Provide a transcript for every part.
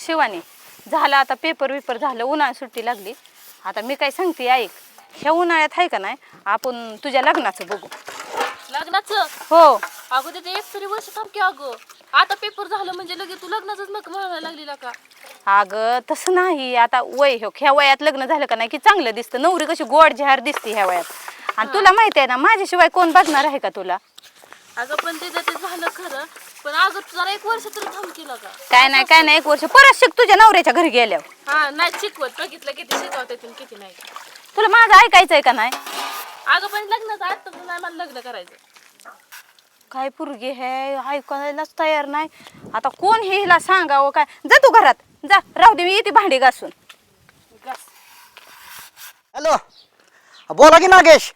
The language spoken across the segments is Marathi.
शिवानी झालं आता पेपर विपर झालं उन्हाळ्यात सुट्टी लागली आता मी काय सांगते ऐक ह्या उन्हाळ्यात आहे का नाही आपण तुझ्या लग्नाचं बघू लग्नाचं हो अगं तिथे एक तरी वर्ष थांब की अगं आता पेपर झालं म्हणजे लगेच तू लग्नाचंच नका म्हणायला लागली का अगं तसं नाही आता वय हो ह्या वयात लग्न झालं का नाही की चांगलं दिसतं नवरी कशी गोड जहार दिसते ह्या वयात आणि तुला माहिती आहे ना माझ्याशिवाय कोण बघणार आहे का तुला अगं पण ते झालं खरं पण अगं तू जरा एक वर्ष तरी थांब केलं का काय नाही एक वर्ष परत शिक तुझ्या नवऱ्याच्या घरी गेल्यावर हा नाही शिकवत बघितलं किती शिकवत येतील किती नाही तुला माझं ऐकायचंय का नाही अगं पण लग्नाचं आता नाही मला लग्न करायचं काय पोरगी हे ऐकायलाच तयार नाही आता कोण हे हिला सांगावं काय जा तू घरात जा राहू दे मी येते भांडी घासून हॅलो बोला की नागेश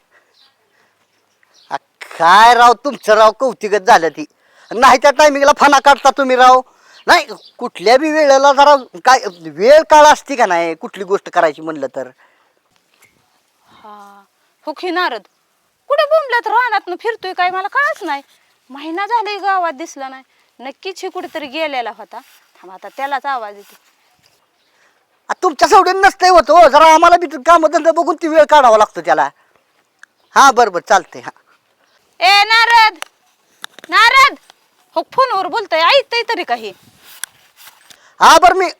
काय राव तुमचं राव कौतिकच झालं ती नाही त्या टायमिंगला फना काढता तुम्ही राव नाही कुठल्या बी वेळेला जरा काय वेळ काळ असते का नाही कुठली गोष्ट करायची म्हणलं तर हा हो की नारद कुठे बोंबल्यात रानात फिरतोय काय मला कळच नाही महिना झालाय गावात दिसला नाही नक्कीच हे कुठेतरी गेलेला होता थांब आता त्यालाच आवाज येतो तुमच्या सवडीन नसतंय होतं हो जरा आम्हाला बी कामधंदा बघून ती वेळ काढावा लागतो त्याला हा बरोबर चालतंय हा ए नारद नारद हो फोनवर बोलतोय ऐकतय तरी काही हा बरं मी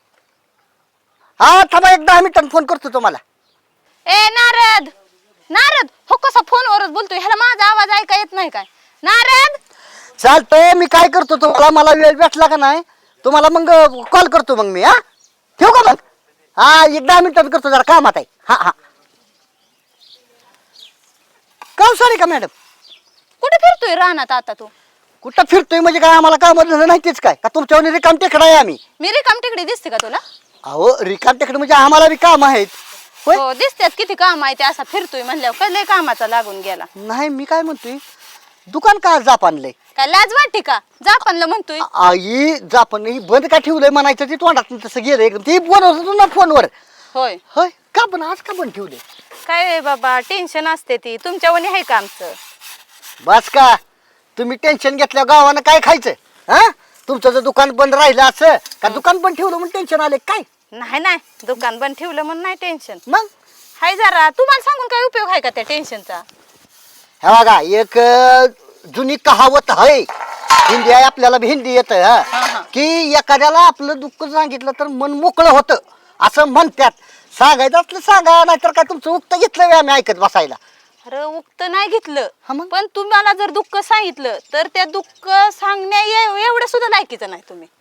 हा थांबा एक 10 मिनिटांनी फोन करतो तुम्हाला ए नारद नारद हो कसा फोनवरच बोलतोय ह्याला माझा आवाज ऐका येत नाही काय नारद चालतंय मी काय करतो तुम्हाला मला वेळ भेटला का नाही तुम्हाला मग कॉल करतो मग मी हा ठेवू का मग हा एक 10 मिनिटात करतो जरा कामात आहे हा हा का सॉरी का मॅडम कुठे फिरतोय रानात आता तू कुठं फिरतोय म्हणजे काय आम्हाला काम नाही तेच काय का तुमच्यावर रिकाम टेकडा आहे आम्ही मी रिकाम तिकडे दिसते का तुला अहो रिकाम टेकडे म्हणजे आम्हाला बी काम आहेत होय हो दिसतात किती काम आहे ते असा फिरतोय म्हणल्यावर कसले कामाचा लागून गेला नाही मी काय म्हणतोय दुकान का जापानलंय काय लाज वाटते का जापानला म्हणतोय आई जापान ही बंद का ठेवलंय म्हणायचं ते तोंडात तसं गेलं एकदम ते बोलवत ना फोनवर होय होय का पण आज का बंद ठेवलंय काय बाबा टेन्शन असते ती तुमच्यावानी आहे का आमचं बस का तुम्ही टेन्शन घेतल्या गावानं काय खायचं हा तुमचं जर दुकान बंद राहिलं असं का दुकान बंद ठेवलं म्हणून टेन्शन आले काय नाही दुकान बंद ठेवलं म्हणून नाही टेन्शन मग हाय जरा तुम्हाला सांगून काय उपयोग आहे का त्या टेन्शनचा हे बघा एक जुनी कहावत आहे हिंदी आहे आपल्याला बी हिंदी येत की एखाद्याला आपलं दुःख सांगितलं तर मन मोकळं होतं असं म्हणतात सांगायचं असलं सांगा नाहीतर काय तुमचं उक्त घेतलं आम्ही ऐकत बसायला अरे उक्त नाही घेतलं हा मग? पण तुम्हाला जर दुःख सांगितलं तर त्या दुःख सांगण्या एवढं सुद्धा लायकीचं नाही तुम्ही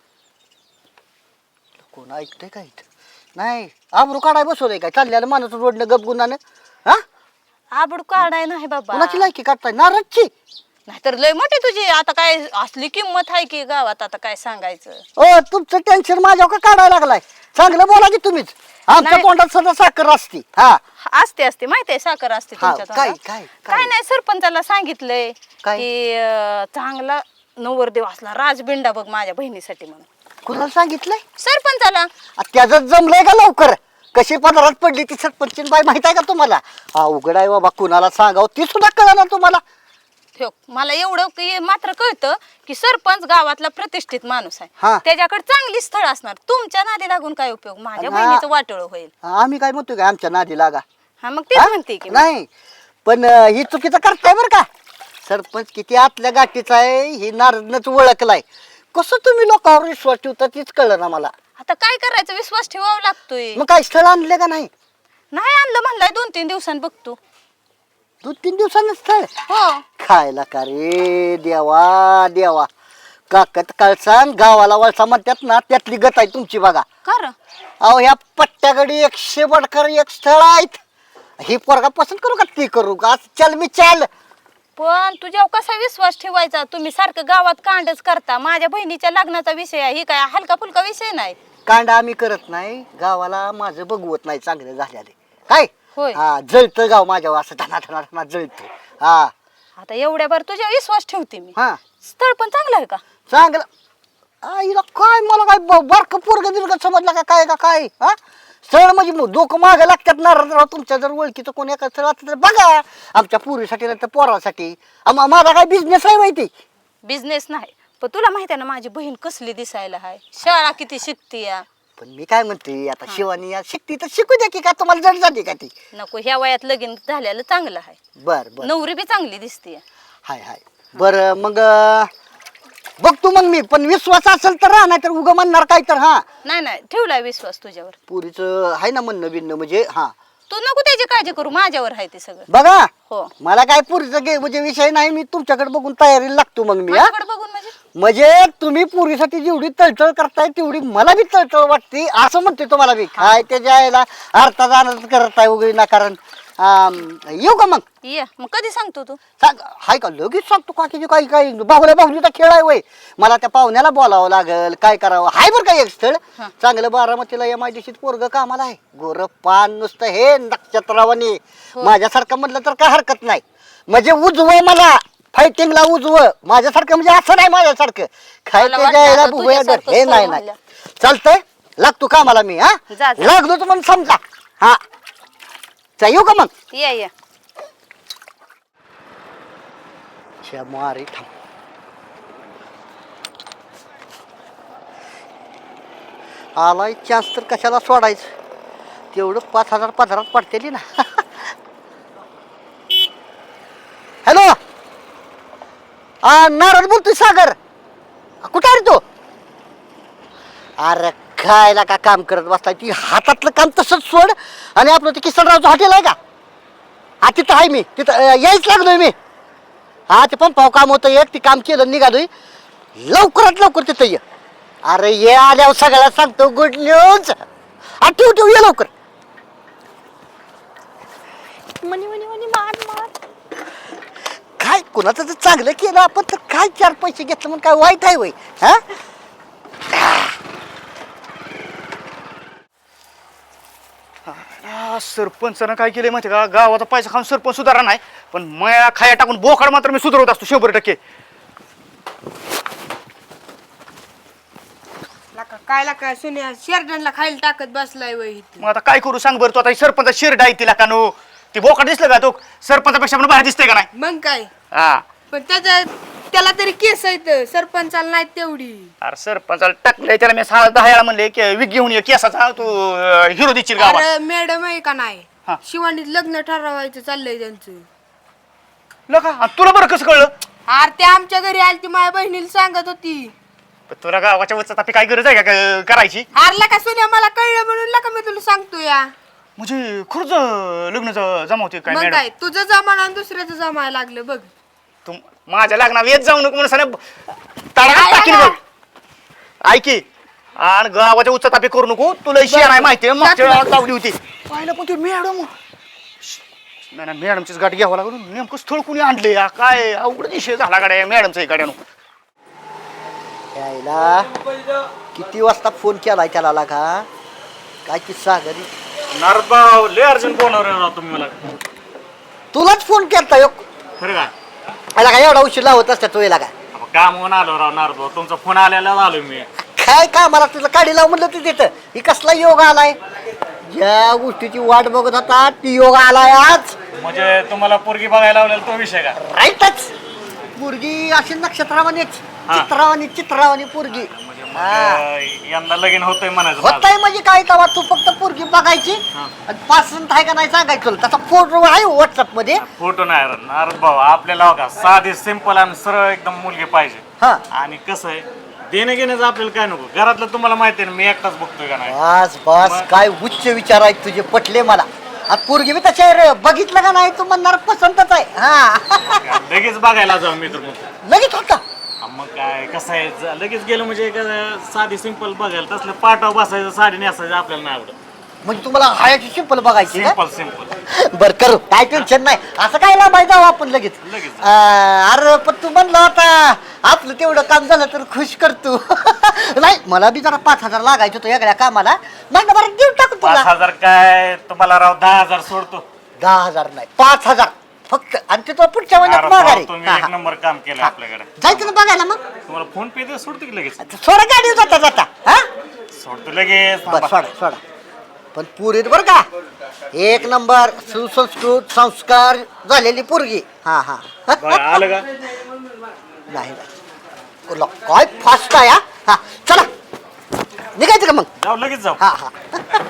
कोण ऐकतंय काय नाही आबरू काढाय बसवलंय काय चालल्याला माणूस रोडनं गपगुणानं हा आबड काढाय नाही बाबा कुणाची लायकी काढताय नारदची नाहीतर लय मोठी तुझी आता काय असली किंमत आहे की गावात आता काय सांगायचं ओ तुमचं टेन्शन माझ्यावर का काढायला लागलाय चांगलं बोला की तुम्हीच आमच्या नाही. तोंडात सदा साखर असती हा असते माहिती आहे साखर असते हा, तुमच्या काय तोंडात. काय काय नाही सरपंचाला सांगितलंय काय? की चांगला नवरदेव असला राजबिंडा बघ माझ्या बहिणीसाठी म्हणून कुणाला सांगितलंय सरपंचाला त्याचं जमलंय का लवकर कशी पदरात पडली ती सरपंचीन बाई माहित आहे का तुम्हाला अवघड आहे बाबा कुणाला सांगावं ती सुद्धा कळणार तुम्हाला ठेव मला एवढं मात्र कळतं की सरपंच गावातला प्रतिष्ठित माणूस हा. आहे त्याच्याकडे चांगली स्थळ असणार तुमच्या नादी लागून काय उपयोग माझ्या हा. बहिणीचं वाटोळ होईल आम्ही काय म्हणतोय का आमच्या नादी लागा हा मग तेच हा? म्हणते की मी. नाही पण ही चुकीचं करताय बरं का सरपंच किती आतल्या गाठीचा आहे ही नारदनच ओळखलाय कसं तुम्ही लोकांवर विश्वास ठेवता तीच कळलं ना मला आता काय करायचं विश्वास ठेवावा लागतोय मग काय स्थळ आणले का नाही नाही आणलं म्हणलाय 2-3 दिवसांनी बघतो 2-3 दिवसांनी स्थळ हो खायला का रे देवा देवा काकत कळसान गावाला वळसा म्हणतात ना त्यातली गत आहे तुमची बघा कर अहो ह्या पट्ट्याकडे 100 बडकर एक स्थळ आहेत ही पोरगा पसंत करू का ती करू का चल मी चल पण तुझ्यावर कसा विश्वास ठेवायचा तुम्ही सारखं गावात कांडच करता माझ्या बहिणीच्या लग्नाचा विषय आहे ही काय हलका फुलका विषय नाही कांड आम्ही करत नाही गावाला माझं बघवत नाही चांगलं झालेले काय होय हा जळतं गाव माझ्यावर असं धना धना धना जळतं हा आता एवढ्यावर तुझ्या विश्वास ठेवते मी हा स्थळ पण चांगलं आहे का चांगलं आईला काय मला काय बारक पोरग बिरग समजलं का काय हा स्थळ म्हणजे डोकं मागं लागतात ना राव तुमच्या जर ओळखीचं कोणी एका स्थळ असलं तर बघा आमच्या पुरीसाठी नाही तर पोरासाठी माझा काय बिझनेस आहे माहिती बिझनेस नाही पण तुला माहिती आहे ना माझी बहीण कसली दिसायला आहे, शाळा किती शिकते या. पण मी काय म्हणते आता शिवानी या शिकती तर शिकू द्या की, का तुम्हाला जड जाते का ती? नको, ह्या वयात लगीन झालेलं चांगलं आहे. बर बर नवरी बी चांगली दिसते. हाय हाय बर मग बघतो मग मी, पण विश्वास असेल तर राहा, नाही तर उगा म्हणणार काय तर. हा नाही नाही, ठेवलाय विश्वास तुझ्यावर. पुरीच आहे ना म्हणणं बिणणं म्हणजे. हा तू नको त्याची काळजी करू, माझ्यावर आहे ते सगळं. बघा हो. मला काय पुरीचा म्हणजे विषय नाही, मी तुमच्याकडे बघून तयारीला लागतो मग मी. हा माझ्याकडे बघून म्हणजे म्हणजे तुम्ही पुरीसाठी जेवढी तळतळ करताय तेवढी मला बी तळतळ वाटते असं म्हणते तुम्हाला बी. काय त्याच्या आईला अर्धा जाणं करताय वगैरे ना, कारण येऊ का मग? ये मग कधी सांगतो तू? सांग हाय का लगेच सांगतो का की काही काही बाहुलीचा खेळ आहे वय. मला त्या पाहुण्याला बोलावं लागल, काय करावं. हाय बरं का एक स्थळ चांगलं बारामतीला या माझ्याशी पोरग कामाला आहे, गोर पान नुसतं हे नक्षत्रावानी. माझ्यासारखं म्हटलं तर काय हरकत नाही, म्हणजे उजवं मला फायटिंगला उजवं माझ्यासारखं, म्हणजे असं नाही माझ्यासारखं काय मला ते वाटलं जायला आता बुबया तुझ्यासारखंच हे नाही करू नाही. म्हणलं. चालतंय लागतो कामाला मी. हा जा, जा. लागलो तर मग समजा. हा येऊ का मग? ये ये. मारी थांब. आलाय चान्स तर कशाला सोडायचं, तेवढं 5,000 पदरात पडतेली ना. हॅलो नारद बोलतोय सागर, कुठे आहे रे तू? अरे खायला का काम करत बसताय, ती हातातलं काम तसंच सोड आणि आपलं ते किसनरावचं हॉटेल आहे का, हा तिथं आहे मी, तिथं यायच लागलोय मी. हा ते पण पाव काम होतं एक, ती काम केलं निघालोय, लवकरात लवकर तिथं ये. अरे ये आल्यावर सगळ्याला सांगतो गुड न्यूज. ठेव ठेव ये लवकर. मनी मनी मनी मार मार. काय कोणाचं तर चांगलं केलं आपण तर काय 4 पैसे घेतलं म्हणून काय वाईट आहे वय? हा सरपंचानं काय केलंय माहिती का, गावाचा पैसा खाऊन सरपंच सुधारा नाही, पण मया खाया टाकून बोकाड मात्र मी सुधारत असतो 100%. काय लाका सुन्या शेरडांना खायला टाकत बसलाय वय इथं. मग आता काय करू सांग बरं, तू आता सरपंच शिरड आहे तिला का नो, ती बोकाड दिसलं का तो सरपंचापेक्षा पण बाहेर दिसतंय का नाही? मग काय, हा पण त्याला तरी केस आहेत, सरपंचाला नाही तेवढी. अरे सरपंचाला टाकलंय त्याला मी 6-10 वेळा म्हणले की विग घेऊन ये केसाचा, तू हिरो दिसशील गावात. अरे मॅडम आहे का हा. नाही, शिवानीत लग्न ठरवायचं चाललंय त्यांचं. लका आणि तुला बरं कसं कळलं? अरे ते आमच्या घरी आली, ती माझ्या बहिणीला सांगत होती. पण तुला गावाच्या वचत काय गरज आहे का करायची? हारला का सुन्या, मला कळलं म्हणून लका मी तुला सांगतो या. म्हणजे खरंच लग्न जमावते काय मग मॅडम? काय तुझं जमाना आणि दुसऱ्याचं जमायला लागलं बघ. तू माझ्या लग्नात येत जाऊ नको म्हणून ताळ्यात टाकीन बघ. ऐकी आणि गावाच्या उच्च तापे करू नको, तुला शेअर आहे माहिती मागच्या वेळेला लावली होती पाहिलं, पण ते मॅडम नाही मॅडमचीच गाठ घ्यावं लागून नेमकं स्थळ कुणी आणले काय अवघड विषय झाला गाड्या मॅडमचा गाड्यानं. यायला किती वाजता फोन केलाय त्याला लागा, काय किस्सा घरी? नारद भाऊ लय अर्जंट बोलणार राव तुम्ही मला. तुलाच फोन केलता यो. खरं काय याला काय एवढा उशीर लावत असतात तो याला काय? अहो, काम होऊन आलो राव नारद भाऊ, तुमचा फोन आलेला आलो मी. काय का मला तुझं काढी लाव म्हणलं तू तिथं, ही कसला योग आलाय? ज्या गोष्टीची वाट बघत होता ती योग आलाय आज. म्हणजे तुम्हाला पोरगी बघायला लावलेला तो विषय का? राईटच, पोरगी अशी नक्षत्रावानी चित्रावानी पोरगी. यंदा लगीन होतंय म्हणायचं होत माझं. आहे म्हणजे काय तेव्हा तू फक्त पोरगी बघायची आणि पसंत आहे का नाही सांगायचं तुला. त्याचा फोटो आहे व्हॉट्सअप मध्ये. फोटो नाही रे, नारद भाऊ आपल्याला का साधी सिंपल आणि सरळ एकदम मुलगी पाहिजे. हा आणि कसं आहे देणं घेण्याचं आपल्याला काय नको, घरातलं तुम्हाला माहिती आहे ना मी एकटाच बघतोय का नाही. बस बस, काय उच्च विचार आहेत तुझे, पटले मला. आता पोरगी बी तशा रे, बघितलं का नाही तू म्हणणार पसंतच आहे. हा लगेच बघायला जाऊ मी तर म्हणतो. लगेच होता. मग काय कसं आहे लगेच गेलं म्हणजे साधी सिंपल बघायला, तसलं पाटाव बसायचं साडी नेसायचं आपल्याला नाही आवडत. म्हणजे तुम्हाला हायाची सिंपल बघायची का? सिंपल बर करू, काय टेन्शन नाही. असं काय लांबाय जाऊ आपण लगेच. लगेच. अरे पण तू म्हणलं आता आपलं तेवढं काम झालं तर खुश करतो. नाही मला बी जरा 5,000 लागायचं होतं वेगळ्या कामाला, म्हणलं बरं देऊन टाकू तुला. 5,000 काय तुम्हाला राव 10,000 सोडतो. 10,000 नाही 5,000 फक्त, आणि ते तो पुढच्या महिन्यात अरे माघारी. भाऊ, तुम्ही एक नंबर काम केलं आपल्याकडे. जायचं ना बघायला मग. तुम्हाला फोन पे दे सोडतो की लगेच. सोडा गाडी जाता जाता. हा सोडतो लगेच. बरं सोडा सोडा, पण पुरीत बरं का एक नंबर सुसंस्कृत संस्कार झालेली पोरगी. हा हा बरं, आलं का? नाही तुला काय फास्ट आहे हा? हा चला निघायचं का मग जाऊ लगेच जाऊ. हा हा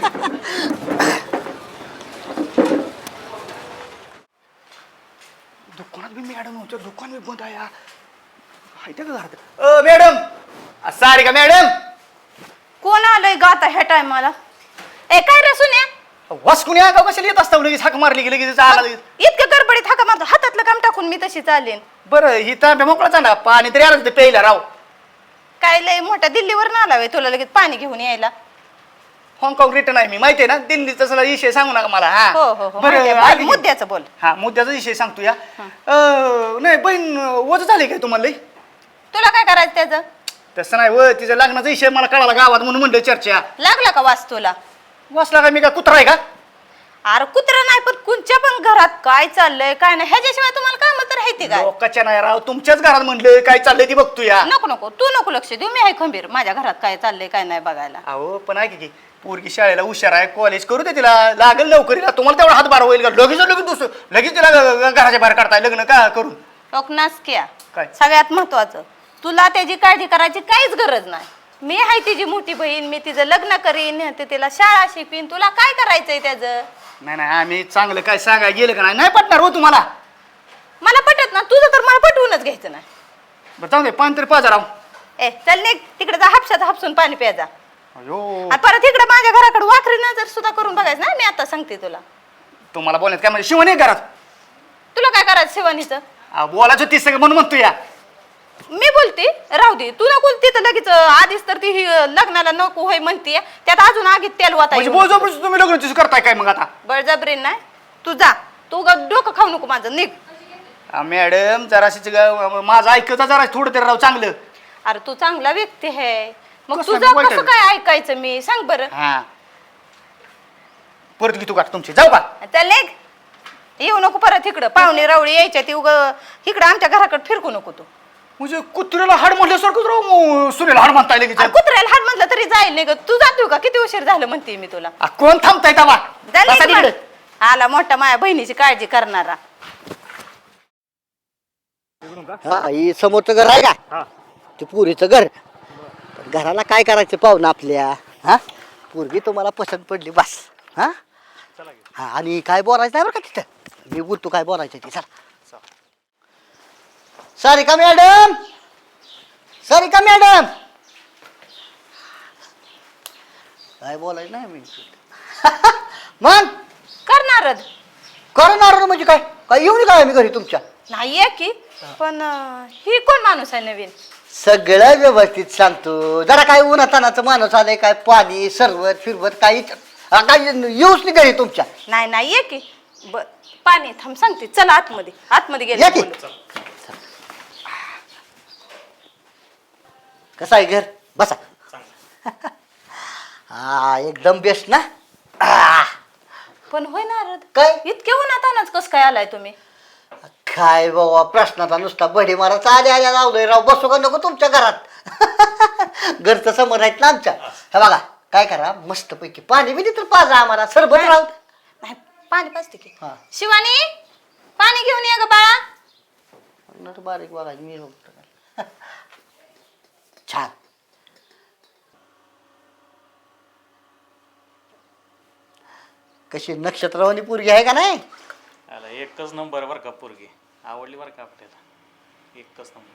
दुकानात बी मॅडम होतं दुकान बी बंद आहे हा. हायतं का घरात मॅडम सारी का मॅडम कोण आलंय ग आता ह्या टायमाला? ए काय रे सुन्या, वासकुनी का कशाला येत असता लगेच हाक मारली की लगेच आला लगेच. इतकं गडबडीत हाका माझं हातातलं काम टाकून मी तशी चालेन. बरं ही तांब्या मोकळा चांडा पाणी तरी आलं ते प्यायला राव. काय लय मोठा दिल्लीवर ना आलाय तुला लगेच पाणी घेऊन यायला? हाँगकाँग रिटर्न आहे मी माहितीये ना दिल्लीचा सगळा विषय सांगू नका मला हा हो हो हो बरं माहितीये, ऐक बोल, की. मुद्द्याचं बोल. हा मुद्द्याचा विषय सांगतो या नाही बहीण वज झाली काय तुम्हाला लई? तुला काय करायचं त्याचं? तसं नाही व तिचा लग्नाचा विषय मला कळाला गावात म्हणून म्हणलं चर्चा. लागला का वास तुला? वाचला का मी का कुत्रा आहे का? अरे कुत्रा नाही पण कुणच्या पण घरात काय चाललंय काय नाही ह्याच्याशिवाय तुम्हाला काम तर राहते काय? लोकांच्या नाही राव तुमच्याच घरात म्हणलं काय चाललंय ती बघतो या. नको नको तू नको लक्ष देऊ, मी आहे खंबीर माझ्या घरात काय चाललंय काय नाही बघायला. अहो पण ऐक की पोरगी शाळेला हुशार आहे कॉलेज करू दे तिला लागेल लवकरीला तुम्हाला तेवढा हातभार होईल का लगेच लगेच दुसरं लगेच तिला घराच्या बाहेर काढताय लग्न का करून. नासक्या काय? सगळ्यात महत्वाचं तुला त्याची काळजी करायची काहीच गरज नाही. मी आहे तिची मोठी बहीण, मी तिचं लग्न करीन, ते तिला शाळा शिकवीन. तुला काय करायचंय त्याचं? नाही नाही आम्ही चांगलं काय सांगाय गेलं का नाही पटणार हो तुम्हाला. मला पटत ना तुझं तर मला पटवूनच घ्यायचं नाही. बरं जाऊ दे पाणी तरी पाजा राव. ए चल निघ तिकडे जा, हापशात हापसून पाणी प्याजा. अयो आणि परत इकडे माझ्या घराकडे वाखरी नजर सुद्धा करून बघायचं ना. मी आता सांगते तुला. तुम्हाला बोलण्यात काय म्हणजे शिवण आहे घरात. तुला काय करायचं शिवानीचं? बोलायचं ती सगळं म्हणून म्हणतो या. मी बोलते राहू दे, तू नको तिथं लगेच आधीच तर ती लग्नाला नको होय म्हणते, त्यात अजून आगीत तेल वाता म्हणजे बोलजोपर्यंत तुम्ही लग्न तिचं करताय काय मग आता. बळजबरी नाही. तू जा, तू डोकं खाऊ नको माझं, निघ. मॅडम जराशी माझं ऐकता जरा थोडं तरी राव चांगलं. अरे तू चांगला व्यक्ती आहे मग कसं तुझं वाईट कसं आहे? काय ऐकायचं मी सांग बरं. हा परत घेतो का तुमची जाऊ का. चल निघ, येऊ नको परत इकडं. पाहुणे रावळी यायच्या ती इकडं आमच्या घराकडे फिरकू नको तू. म्हणजे कुत्र्याला हाड म्हटल्यासारखं राव सुनेला हाड म्हणताय लगेच. अरे कुत्र्याला हात म्हटलं तरी जाईल नाही ग. तू जातो का? किती उशीर झालं म्हणते मी तुला. कोण थांबताय तवा जा निघ बसा मग. तिकडे. आला मोठा माझ्या बहिणीची काळजी करणारा. हा ही समोरचं घर आहे का ते पुरीचं घर. पण घराला काय करायचं पाहुणं आपल्या हा पोरगी तुम्हाला पसंत पडली बस. हा हा आणि काय बोलायचं नाही बरं का तिथं. मी बोलतो काय बोलायचं ते. चला सारिका मॅडम, सारिका मॅडम काय बोलायचं नाही मी मग करणारच करणार म्हणजे काय काय येऊन काय मी घरी तुमच्या. नाहीये की पण ही कोण माणूस आहे नवीन? सगळं व्यवस्थित सांगतो. जरा काय उन्हातानाचं माणूस आलंय काय पाणी सरवत फिरवत काही काय येऊच नाही घरी तुमच्या. नाही नाहीये की पाणी थांब सांगते. चला आतमध्ये, आतमध्ये या गेले की. बोलू. कसं आहे घर बसा. हा एकदम बेस्ट ना. पण होय नारद काय इतके उन्हातानाच कस काय आलाय तुम्ही? काय बाबा प्रश्नाचा नुसता बडी मारा आल्या आल्या लावलोय राव. बसू का नको तुमच्या घरात घरचं समोर आहेत ना आमच्या. हे बघा काय करा मस्त पैकी पाणी बिनी तर पाजा आम्हाला सरबत राहू. नाही पाणी पाजते की. हा. शिवानी पाणी घेऊन ये ग बाळा. बारीक बघा मी बघतो. छान कशी नक्षत्रवाणी पोरगी आहे का नाही. आला एकच नंबर बरं का पोरगी आवडली बरं का आपल्याला एकच नंबर.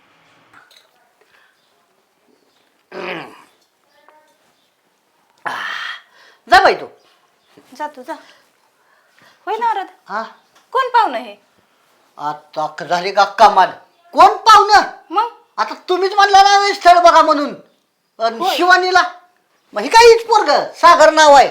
जा बाई तू. जा तू जा. होय नारद हा कोण पाहुणं हे? आता झाली का कमाल. कोण पाहुणं मग आता तुम्हीच म्हणला ना स्थळ बघा म्हणून. अन शिवानीला मग ही काहीच पोरग सागर नाव आहे.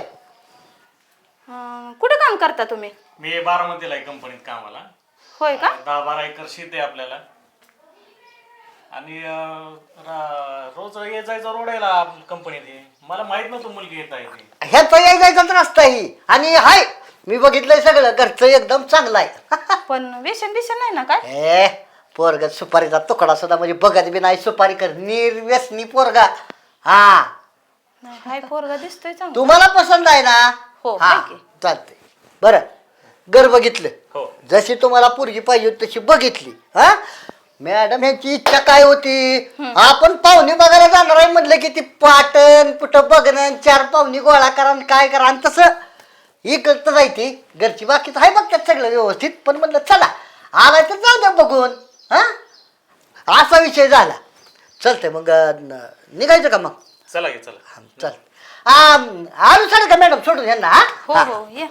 कुठं काम करता तुम्ही? मी बारामतीला आहे कंपनीत कामाला. होय का? 10-12 एकर शेत आहे आपल्याला आणि रोज ये जायचं रोडायला कंपनीत आहे. मला माहित नव्हतं मुलगी येत आहे ती. ह्याचा यायचाच रस्ता ही आणि हाय मी बघितलंय सगळं घरचं एकदम चांगलं आहे. पण व्यसन बिसन नाही ना काय? ए पोरग सुपारीचा तुकडा सुद्धा म्हणजे बघत बी नाही सुपारी कर निर्व्यसनी पोरगा. हा नाही हाय पोरगा दिसतोय चांगला. तुम्हाला पसंत आहे ना. हो, हा आहे की. चालतंय. बरं घर बघितलं हो जशी तुम्हाला पोरगी पाहिजे होती तशी बघितली. हा मॅडम ह्यांची इच्छा काय होती आपण पाहुणे बघायला जाणार आहे म्हटलं की ती पाटण कुठं बघणं 4 पाहुणी गोळा करा आणि काय करा आणि तसं इकडं जायची घरची बाकीच आहे बघतात सगळं व्यवस्थित पण म्हटलं चला आलाय तर जाऊ द्या बघून हा असा विषय झाला चलतंय मग निघायचं का मग चला घे चला. चल आलो चालेल का मॅडम सोडून यांना हा? हो हा हो ये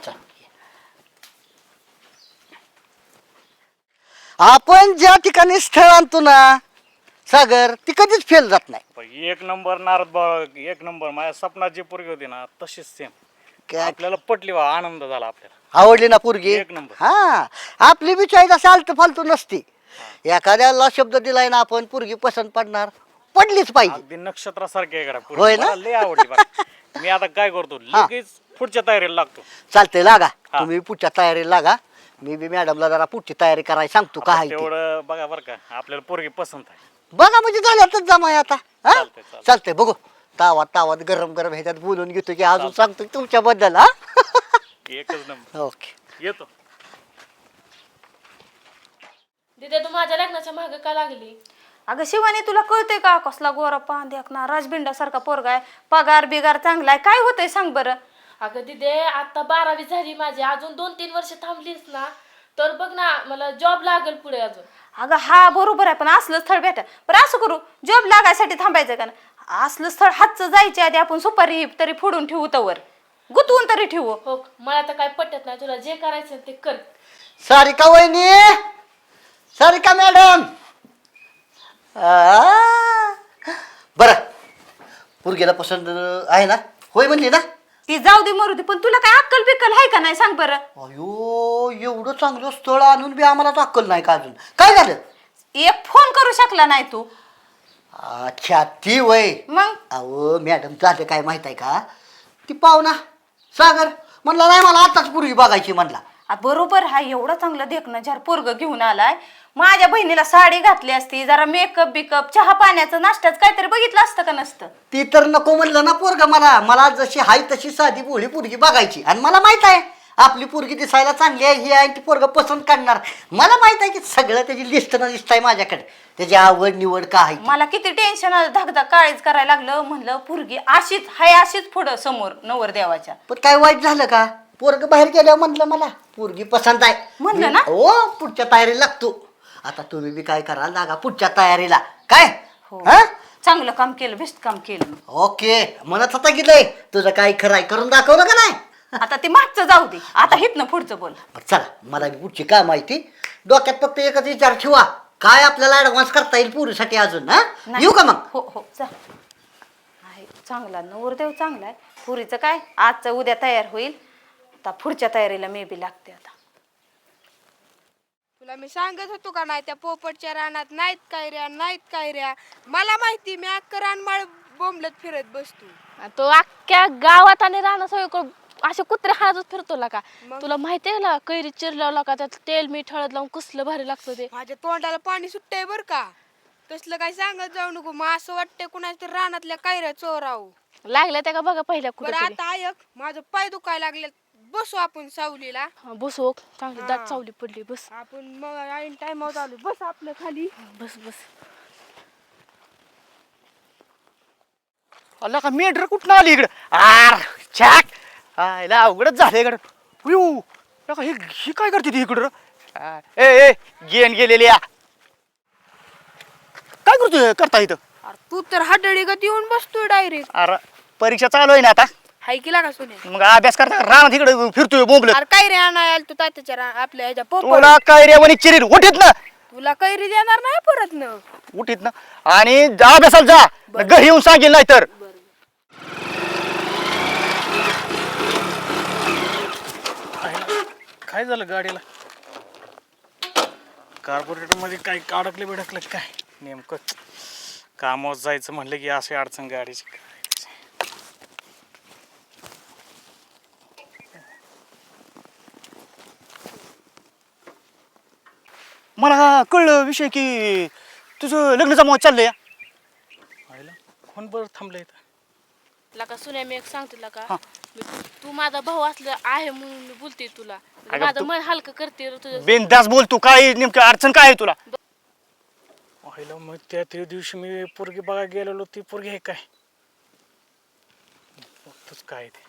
आपण ज्या ठिकाणी स्थळ आणतो ना सागर ती कधीच फेल जात नाही पण एक नंबर नारद बाबा, एक नंबर. माझ्या स्वप्नात जी पोरगी होती ना तशीच सेम. काय आपल्याला पटली बा, आनंद झाला आपल्याला. आवडली ना पोरगी एक नंबर. हा आपली बी चॉईस असं आलत फालतू नसती एखाद्याला शब्द दिलाय ना आपण पोरगी पसंत पडणार पडलीच पाहिजे अगदी नक्षत्रासारखी आहे का पोरगी. होय ना? मला लय आवडली बा. मी आता काय करतो लगेच पुढच्या तयारीला लागतो. चालतंय लागा हा. तुम्ही पुढच्या तयारीला लागा मी बी मॅडमला जरा पुढची तयारी करायला सांगतो काय आहे ते. तेवढं बघा बरं का, आपल्याला पोरगी पसंत आहे. बघा म्हणजे झाल्यातच जमाय आता हा चालतंय, चालतंय. चालतंय बघू तावात तावात गरम गरम ह्याच्यात बोलून घेतो की अजून सांगतो तुमच्याबद्दल हा एकच नंबर. ओके येतो. दिदे तू माझ्या लग्नाच्या मागे का लागली? अगं शिवानी तुला कळतंय का कसला गोरा पांद्याक ना राजबिंडासारखा पोरगा आहे पगार बिगार चांगला आहे काय होतंय सांग बरं अगं दिदे आता 12वी झाली माझी, अजून 2-3 वर्ष थांबलीस ना तर बघ ना मला जॉब लागेल पुढे अजून. अगं हा बरोबर आहे पण असलं स्थळ भेटा बरं असं करू जॉब लागायसाठी थांबायचं का ना असलं स्थळ हातचं जायच्या आधी आपण सुपारी तरी फोडून ठेवू तवर गुतवून तरी ठेवू हो मला तर काय पटत नाही, तुला जे करायचं ते कर. सारिका वहिनी सारिका मॅडम बर पोरगीला पसंत आहे ना होय म्हणली ना ती जाऊ दे मरू दे पण तुला काय अक्कल बिक्कल आहे का नाही सांग बरं अयो एवढं चांगलं स्थळ आणून बी आम्हाला अक्कल नाही का अजून काय झालं एक फोन करू शकला नाही तू अच्छा ती वय मग अहो मॅडम झालं काय माहित आहे का ती पाहुणा सागर म्हणला नाही मला आताच पोरगी बघायची म्हणला बरोबर हा एवढं चांगलं देखणं झार पोरग घेऊन आलाय माझ्या बहिणीला साडी घातली असती जरा मेकअप बिकअप चहा पाण्याचं नाश्त्याचं काहीतरी बघितलं असतं का नसतं ती तर नको म्हणलं ना पोरगा मला जशी हाय तशी साधी भोळी पोरगी बघायची आणि मला माहित आहे आपली पोरगी दिसायला चांगली आहे ही आहे ती पोरग पसंत करणार मला माहित आहे की सगळं त्याची लिस्ट न दिसत आहे माझ्याकडे त्याची आवड निवड का आहे मला किती टेन्शन आलं धगधग काळीच करायला लागलं म्हणलं पोरगी अशीच हाय अशीच पुढं समोर नवर देवाच्या पण काय वाईट झालं का पोरग बाहेर गेल्यावर म्हणलं मला पोरगी पसंत आहे म्हणलं ना? हो पुढच्या तयारीला लागतो आता तुम्ही बी काय करा लागा पुढच्या तयारीला काय हो हा चांगलं काम केलं बेस्ट काम केलं ओके म्हणत होता की लय तुझं काय खरं आहे करून दाखवलं का नाही आता ते मागचं जाऊ दे आता हितनं पुढचं बोल बरं, चला मला बी पुढची काय माहिती डोक्यात फक्त एकच विचार ठेवा काय आपल्याला ऍडव्हान्स करता येईल पुरीसाठी अजून हा नाही. येऊ का मग हो हो चा आहे चांगला नवरदेव चांगला आहे पुरीचं काय आजचं उद्या तयार होईल आता पुढच्या तयारीला मे बी लागते आता तुला मी सांगत होतो का नाही त्या पोपटच्या रानात नाहीत काय ऱ्या मला माहिती मी अख्खं रानमाळ बोंबलत फिरत बसतो. तो अख्ख्या गावात आणि राहणं सगळं असे कुत्रे हातच फिरतो का मग? तुला माहितीये ना कैरी चिरल्यावर का त्यात तेल मीठ हळद लावून कसलं भारी लागतं ते. माझ्या तोंडाला पाणी सुटतंय बर का तसलं काय सांगत जाऊ नको मग असं वाटतंय कुणाच्या तरी रानातल्या कायऱ्या चोराव. लागल्या त्या का बघा पहिल्या बरं कुठे आता ऐक माझं पाय दुखायला लागले बसू आपण सावलीला बसो चांगली हा. दाट चावली पडली बस आपण मग ऐन टाइमावर आलो बस आपलं खाली बस बस अल्ला का मेंढर कुठं आली इकडं आर छाक आयला अवघडच झालं इकडं उयू लका ही काय करते ती इकडं ए ए गेन गेलेली या काय करतोय करता इथं अरे तू तर हडळी गत येऊन बसतोय डायरेक्ट. अरे परीक्षा चालू आहे ना आता हाय केला का सोने मग अभ्यास करता राम तिकडे फिरतोय बोंबल अरे कैरी आणाय आल तू तात्याच्या आपल्या ह्याच्या पोपट तुला काय रे म्हणे चिरीर उठीत ना तुला कैरी देणार नाही परत न उठीत ना आणि अभ्यासाला जा घरी येऊन सांगेल नाही तर काय झालं गाडीला? कार्बोरेटर मध्ये काय अडकले बिडकलं काय नेमकं? कामावर जायचं म्हणलं की अशी अडचण गाडीची. मला कळलं विषय की तुझं लग्न जमावत चाललंय आईला कोण बरं थांबलं इथं? लका सुन्या मी एक सांगते लका हा. तू माझा भाऊ असलं आहे म्हणून मी बोलते तुला अगं माझं तू- मन हलकं करते रे तुझं. बिनदास बोल तू काय नेमकं अडचण काय आहे तुला पहिलं मग त्या दिवशी मी पोरगी बघायला गेलेलो, ती पोरगी आहे काय बघतोच काय ते.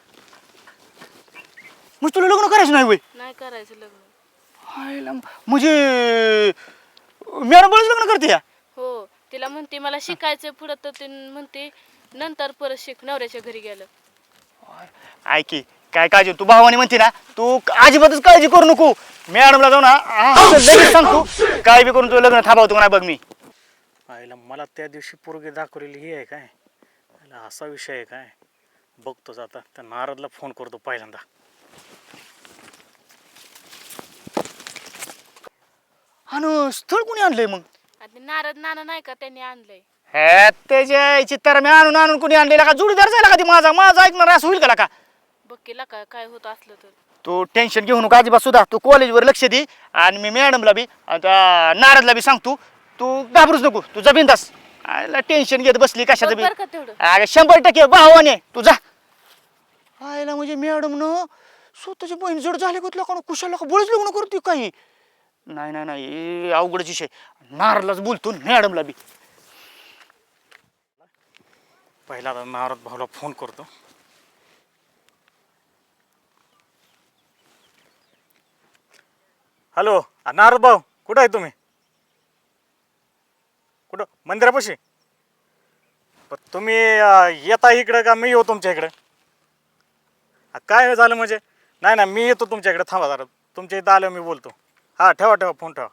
मग तुला लग्न करायचं नाही वय? नाही करायचं लग्न. म्हणजे मॅडम बरंच लग्न करते या? हो, तिला म्हणते मला शिकायचं पुढं, तर ती म्हणते नंतर परत शिक, नवऱ्याच्या घरी गेलं. ऐक की, काय काळजी तू भावानी म्हणते ना, तू अजिबातच काळजी करू नको. मॅडमला जाऊ ना लगेच सांगतो, काय बी करून तुझं लग्न थांबवतो का नाही बघ मी. आईला मला त्या दिवशी पोरगी दाखवलेली ही आहे काय, आईला असा विषय आहे काय, बघतोच आता. त्या नारदला फोन करतो पहिल्यांदा. आणि स्थळ कोणी आणलंय मग? आणि नारद नाना नाही का, त्यांनी आणलंय. हे त्याच्या चित्तर मी आणून आणून कोणी आणलेला का? जोडीदार जायला का ती माझा माझा ऐकणार असं होईल का? बघ केला काय होत असलं तर. तू टेन्शन घेऊ नको अजिबात सुद्धा. तू कॉलेजवर लक्ष दे आणि मी मॅडमला बी आता नारदला बी सांगतो. तू घाबरूच नको, तू जा बिंदास. आयला टेन्शन घेत बसली कशाचं बघ बी. बरं का तेवढं. अरे 100% भावाने तू जा. आयला म्हणजे मॅडम न स्वतःची बहीण जड झाले का लोकांना कुशाला का बळच लग्न करते काही. नाही नाही नाही अवघडच विषय. नारदलाच बोलतो मॅडमला बी. पहिला आता नारद भाऊला फोन करतो. हॅलो नारद भाऊ, कुठं आहे तुम्ही? कुठं? मंदिरापाशी? पण तुम्ही येता इकडं का मी येऊ तुमच्या इकडं? काय झालं म्हणजे? नाही ना, मी येतो तुमच्या इकडे. थांबा जरा, तुमच्या इथं आलो मी बोलतो. हां ठेवा फोन ठेवा.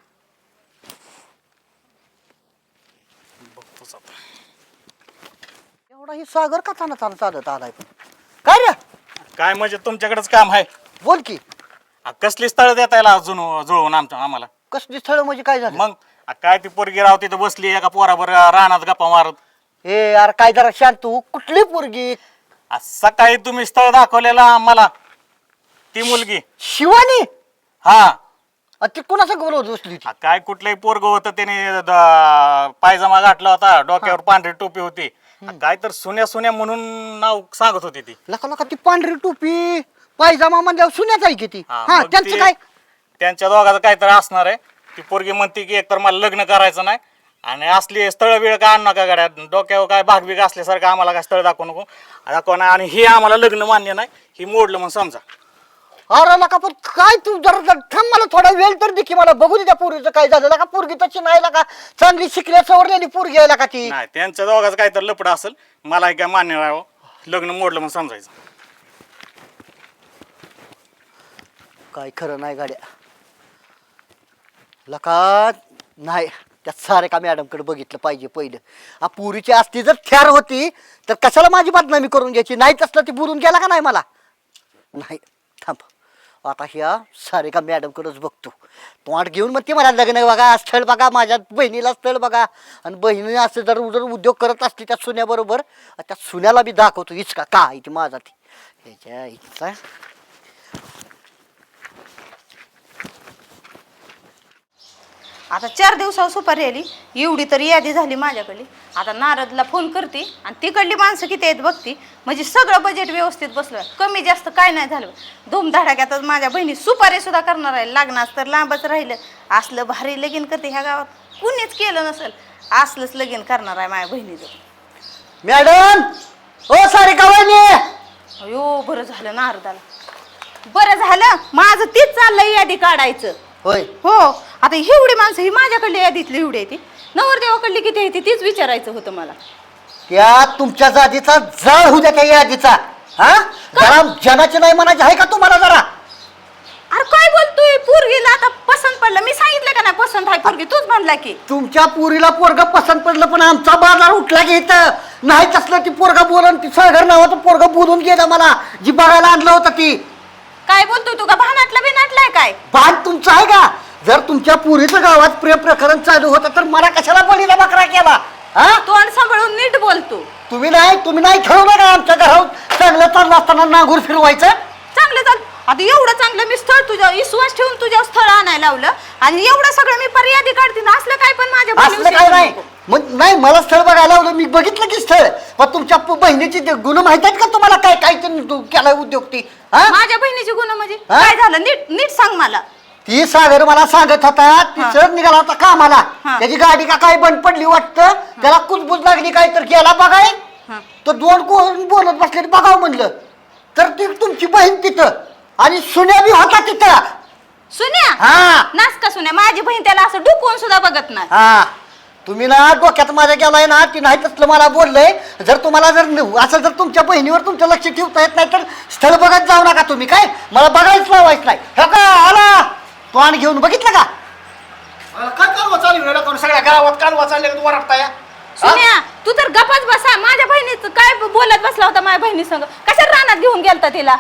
बघतोच आता. एवढा ही सागर का चालत आलाय पण? काय रे? काय म्हणजे तुमच्याकडेच काम आहे? बोल की. कसली स्थळ देता येईल अजून जुळवून आम्हाला? कसली स्थळ म्हणजे काय झालं? मग काय ती पोरगी राव तिथं बसली एका पोराबर रानात गप्पा मारत. ए यार काय जरा शांत तू. कुठली पोरगी? सकाळी तुम्ही स्थळ दाखवलेला आम्हाला, ती मुलगी. शिवानी? हा, ती कुणाचं बोलवत बसली ती? काय कुठलंही पोरग होतं, त्याने पायजमा घातला होता, डोक्यावर पांढरी टोपी होती. काय तर सुन्या म्हणून नाव सांगत होती ती. लका ती पांढरी टोपी पायजामा म्हणजे सुन्याच आहे की ती? हा, हा मग त्यांचं ते- काय? त्यांच्या दोघांचं काहीतरी असणार आहे. ती पोरगी म्हणते की एकतर मला लग्न करायचं नाही, आणि असली स्थळ बिळ काय आणू नका गाड्या, डोक्यावर काय भागबीग असल्यासारखं आम्हाला काय स्थळ दाखवू नको दाखव ना. आणि हे आम्हाला लग्न मान्य नाही, ही मोडलं म्हणून समजा. अरे लका पण काय तू जरा थांब, मला थोडा वेळ तर दे की, मला बघू दे त्या पोरीचं काय झालं. का पोरगी तशी नाही का, चांगली शिकल्या सवरलेली पोरगी आहे का ती? नाही, त्यांच्या दोघांचं काहीतरी लपड असेल, मला काय मान्य नाही. लग्न मोडलं म्हणून समजायचं. काय खरं नाही गाड्या. लका नाही, त्या सारे का मॅडमकडे बघितलं पाहिजे पहिलं. आ पुरीची असती जर थ्यार होती तर कशाला माझी बदनामी करून घ्यायची? नाही तसलं ती बोलून गेला का नाही मला? नाही थांब, आता ह्या सारे का मॅडमकडेच बघतो. तोंड घेऊन मग ती मला लग्न बघा, स्थळ बघा, माझ्या बहिणीला स्थळ बघा. आणि बहिणी असं जर उद्योग करत असते त्या सुन्याबरोबर, त्या सुन्याला बी दाखवतो इचका का आहे ती माझा ती ह्याच्या इच्छा. आता 4 दिवसावर सुपारी आली, एवढी तरी यादी झाली माझ्याकडली. आता नारदला फोन करते आणि तिकडली माणसं किती आहेत बघती, म्हणजे सगळं बजेट व्यवस्थित बसलं. कमी जास्त काय नाही झालं. धूमधडाक्यातच माझ्या बहिणी सुपारी सुद्धा करणार आहे. लग्नास तर लांबच राहिलं. असलं भारी लगीन करते ह्या गावात कुणीच केलं नसेल. असलंच लगीन करणार आहे माझ्या बहिणीचं. मॅडम ओ सारे का वहिनी? अयो बरं झालं नारदाला, बरं झालं. माझं तीच चाललंय यादी काढायचं. होय हो, आता एवढी माणसं ही माझ्याकडली यादीतली एवढी आहे ती, नवरदेवाकडली किती आहे ती तीच विचारायचं होतं मला. त्या तुमच्या जातीचा जाळ होऊ द्या त्या यादीचा. हा जरा जनाची नाही म्हणायची आहे का तुम्हाला जरा? अरे काय बोलतोय? पोरगीला आता पसंत पडलं. मी सांगितलं का नाही पसंत आहे पोरगी? तूच म्हणला की. तुमच्या पोरीला पोरग पसंत पडलं, पण आमचा बाजार उठला की इथं नाही तसलं ती पोरगा बोलून, ती सागर नावाचं पोरग बोलून गेलं मला, जी बघायला आणलं होतं ती. काय बोलतोय तू? का भानाटला बिनाटलाय काय? भान तुमचं आहे का? जर तुमच्या पोरीचं गावात प्रेम प्रकरण चालू होतं तर मला कशाला बळीला बकरा केला? हा तोंड सांभाळून नीट बोलतो. तुम्ही नाही ठरवलं का आमच्या घरात चांगलं चाललं असताना नांगूर फिरवायचं? चांगलं चाल. आता एवढं चांगलं मी स्थळ तुझ्या विश्वास ठेवून तुझ्या स्थळ आणायला लावलं आणि एवढं सगळं मी पर्यादी काढते ना, असलं काय पण माझ्या असलं काय नाही. मग नाही, मला स्थळ बघायला लावलं, मी बघितलं की स्थळ. पण तुमच्या बहिणीची गुण माहित आहेत का तुम्हाला? काय काय केलाय उद्योग ती? हा माझ्या बहिणीची गुण म्हणजे हा? काय झालं? नीट नीट सांग मला. ती सागर मला सांगत होता तिचं निघाला होता कामाला त्याची गाडी का काय बंद पडली वाटतं त्याला कुजबुज लागली काय तर गेला बघाय तो दोन कोण बोलत बसले बघावं म्हणलं तर ती तुमची बहीण तिथं आणि सुन्या बी होता तिथं. सुन्या हा नास का सुन्या माझी बहीण त्याला असं डुकवून सुद्धा बघत नाही. हा तुम्ही ना डोक्यात माझ्या गेलाय ना ती नाही तसलं मला बोललंय. जर तुम्हाला असं जर तुमच्या बहिणीवर तुमचं लक्ष ठेवता येत नाही तर स्थळ बघत जाऊ नका तुम्ही. काय मला बघायच लावायचं नाही. हे का आला तो आणि घेऊन बघितलं का काय कालवा चालू आहे कोण सगळ्या गावात कालवा चालले का तू वरडताय सुन्या तू तर गपच बसा. माझ्या बहिणीचं काय बोलत बसला होता माझ्या बहिणी संग कशा रानात घेऊन गेलता तिला.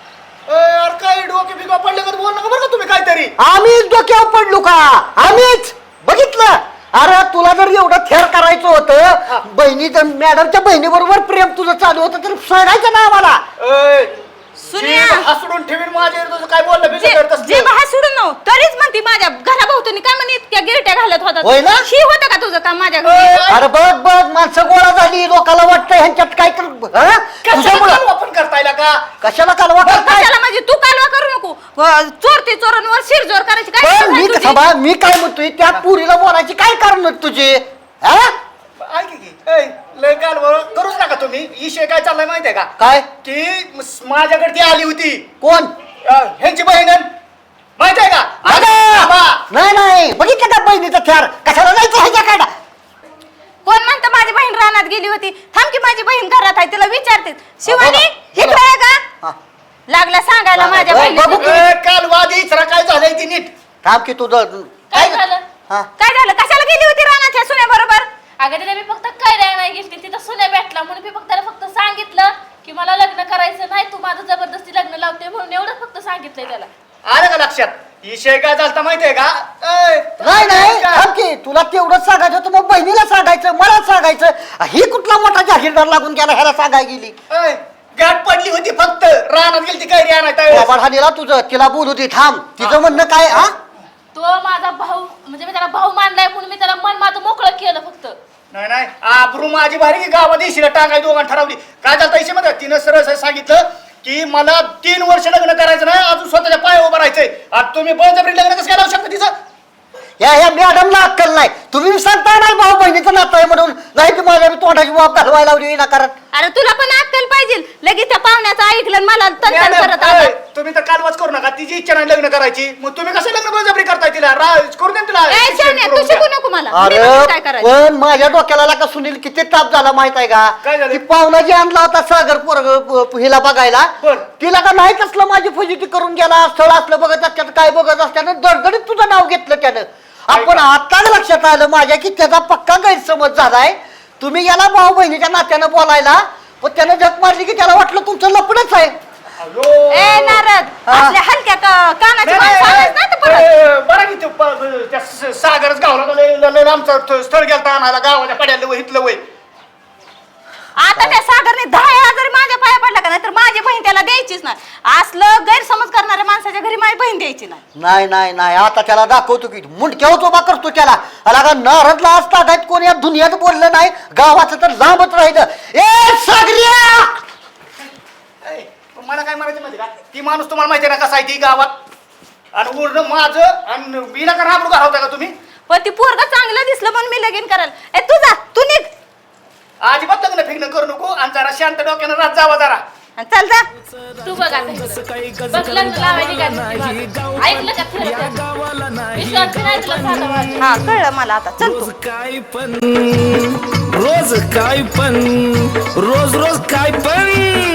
अरे काय डोके बिगा पडले का बोल नका बरं का तुम्ही काहीतरी. आम्हीच डोक्यावर पडलो का आम्हीच बघितलं. अरे तुला जर एवढं थेर करायचं होतं बहिणी मॅडमच्या बहिणी बरोबर प्रेम तुझं चालू होतं तर सांगायचं ना आम्हाला. सुन्या हसडून ठेवीन माझ्या तुझं काय बोललं जे बिचार तसं. जे बाहेर सोडून नव तरीच म्हणती माझ्या घराभोवतणी काय म्हणे इतक्या गिरट्या घालत होता. होय ना? शी होतं का तुझं काम माझ्या घरी. अरे बघ बघ माणसं गोळा झाली लोकांना वाटतं ह्यांच्यात काय तर हा? तुझ्यामुळं वापर करताय का कशाला कालवा करताय. कशाला म्हणजे तू कालवा करू नको. चोरते चोरांवर शिरजोर करायची काय पण गरज आहे मी तुझी? थांबा मी काय म्हणतोय त्या पुरीला बोलायची काय कारण आहेत तुझे हा? ऐक की लय काल करूच नका तुम्ही. विषय काय चाललाय माहितीये का काय की माझ्याकडे ती आली होती कोण ह्यांची बहीण माहितीये का अगं! नाही नाही बघितलं का बहिणीचा थ्यार कशाला जायचं ह्याच्याकडं. कोण म्हणतं माझी बहीण रानात गेली होती. थांब की माझी बहीण घरात आहे तिला विचारते. शिवानी बघा. इकडे आहे का हा. लागला सांगायला माझ्या बघ, बहिणीला. बघू. काल वादी इचरा काय झालंय ती नीट. थांब की तुझं काय झालं हा काय झालं कशाला गेली होती रानात ह्या सुन्या बरोबर. अगं तिला मी फक्त काय नाही गेली तिथं सुन्या भेटला म्हणून मी फक्त त्याला फक्त सांगितलं की मला लग्न करायचं नाही तू माझं जबरदस्ती लग्न लावते म्हणून एवढं फक्त सांगितलंय त्याला. आलं का लक्षात विषय काय झालता माहितीये का नाही नाही थांब की तुला तेवढंच सांगायचं होतं मग बहिणीला सांगायचं मला सांगायचं. ही कुठला मोठा जाहीरदार लागून गेला ह्याला सांगाय गेली. गाठ पडली होती फक्त रानात गेली ती काय आणाय बाबा तुझं तिला बोलू दे थांब तिचं म्हणणं काय हा तो माझा भाऊ म्हणजे मी त्याला भाऊ मानलाय म्हणून मी त्याला मन माझं मोकळं केलं फक्त. नाही नाही आबरू माझी भारी की गावात येशील टाकाय दोघांना ठरवली. काय झालं इशे मध्ये तिनं सरळ सांगितलं की मला 3 वर्ष लग्न करायचं नाही अजून स्वतःच्या पायावर उभं राहायचंय. आता तुम्ही बळजबरी लग्न कसं काय लावू शकता तिचं. ह्या मॅडमला अक्कल नाही. तुम्ही सांगता नाही भाऊ बहिणीचं नातं आहे म्हणून नाही की माझ्या तोंडाची बाब घालवायला लावली विनाकारण. अरे तुला पण अक्कल पाहिजे. लगेच त्या पाहुण्याचं ऐकलं आणि मला तन मॅडम, करत आला. तुम्ही तर कालवाच करू नका. तिची इच्छा नाही लग्न करायची मग तुम्ही कसं लग्न बळजबरी करताय तिला करू दे ना तिला. ए, शान्या, तू शिकू नको मला. मी अरे बघते काय करायचं. पण माझ्या डोक्याला का सुनील किती ताप झाला माहित आहे का. काय झालं? ती पाहुणा जी आणला होता सागर पोरग हिला बघायला बरं. तिला का नाही कसलं माझी फजिती करून गेला. स्थळ असलं बघत असत्यानं काय बघत असत्यानं दडदडीत तुझं नाव घेतलं त्यानं. आपण आताच लक्षात आलं माझ्या की त्याचा पक्का गैरसमज झालाय. तुम्ही गेला भाऊ बहिणीच्या नात्यानं बोलायला पण त्यानं जग मारली की त्याला वाटलं तुमचं लपडच आहे. ए नारद असल्या हलक्या कानाची माणसं आणायचं नाही तर परत. बरं की त्या सागरच गावला आमचं स्थळ गेलता आणायला गावाच्या पड्याला वय इथलं वय. आता त्या सागरने 10,000 जरी माझ्या पाया पडला का नाही तर माझी बहीण त्याला द्यायचीच नाही. असलं गैरसमज करणाऱ्या माणसाच्या घरी माझी बहीण द्यायची नाही. नाही नाही नाही आता त्याला दाखवतो की मुंडक्यावर उभा करतो त्याला. अला का नारदला आज तागायत कोणी या दुनियात बोललं नाही गावाचं तर लांबच राहिलं. ए सागरिया मला काय म्हणायचं माहिती का ती माणूस तुम्हाला माहिती आहे ना कसा आहे ती गावात आणि उरणं माझं आणि विना का राबरू घालवता का तुम्ही. पण ती पोरग चांगलं दिसलं म्हणून मी लगीन करायला. ए तू जा तू निघ अजिबात लग्न फिग्न करू नको आणि जरा शांत डोक्यानं रात जावा जरा. आणि चल जा. तू बघ आता इकडं. बघ लग्न लावायची काय म्हणते माझं. ऐकलं का फिरत विश्वास नाही तुला झाला माझा. हा कळलं मला आता चल तू. रोज काय पण रोज काय पण रोज रोज काय पण